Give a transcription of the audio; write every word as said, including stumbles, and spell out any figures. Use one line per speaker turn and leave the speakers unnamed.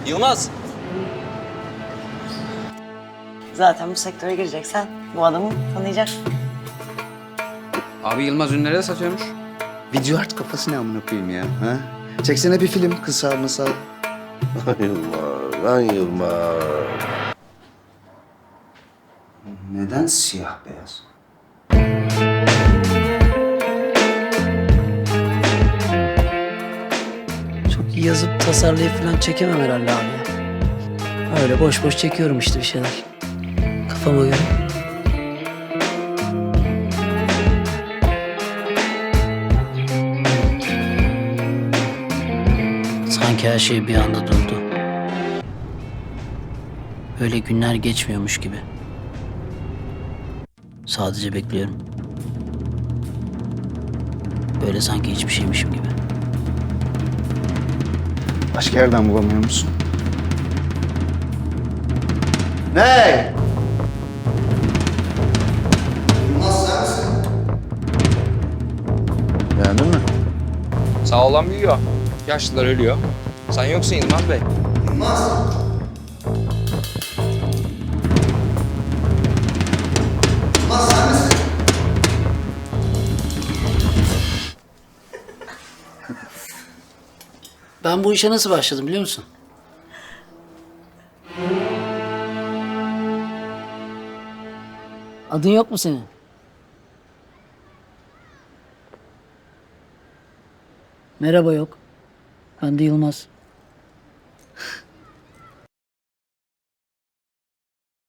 Yılmaz.
Zaten bu sektöre gireceksen bu adamı tanıyacaksın.
Abi Yılmaz ünlere de satıyormuş.
Video art kafası ne amına koyayım ya? Ha? Çeksene bir film kısa mısa.
Yılmaz, lan Yılmaz.
Neden siyah beyaz?
Çok iyi yazıp tasarlayıp falan çekemem herhalde abi ya. Öyle boş boş çekiyorum işte bir şeyler. Kafama göre. Sanki her şey bir anda durdu. Öyle günler geçmiyormuş gibi. Sadece bekliyorum. Böyle sanki hiçbir şeymişim gibi.
Başka yerden bulamıyor musun? Ne? Yılmaz sen misin? Beğendin mi?
Sağ olan büyüyor. Yaşlılar ölüyor. Sen yoksun Yılmaz Bey.
Yılmaz. Yılmaz sen misin?
Ben bu işe nasıl başladım biliyor musun? Adın yok mu senin? Merhaba yok. Ben de Yılmaz.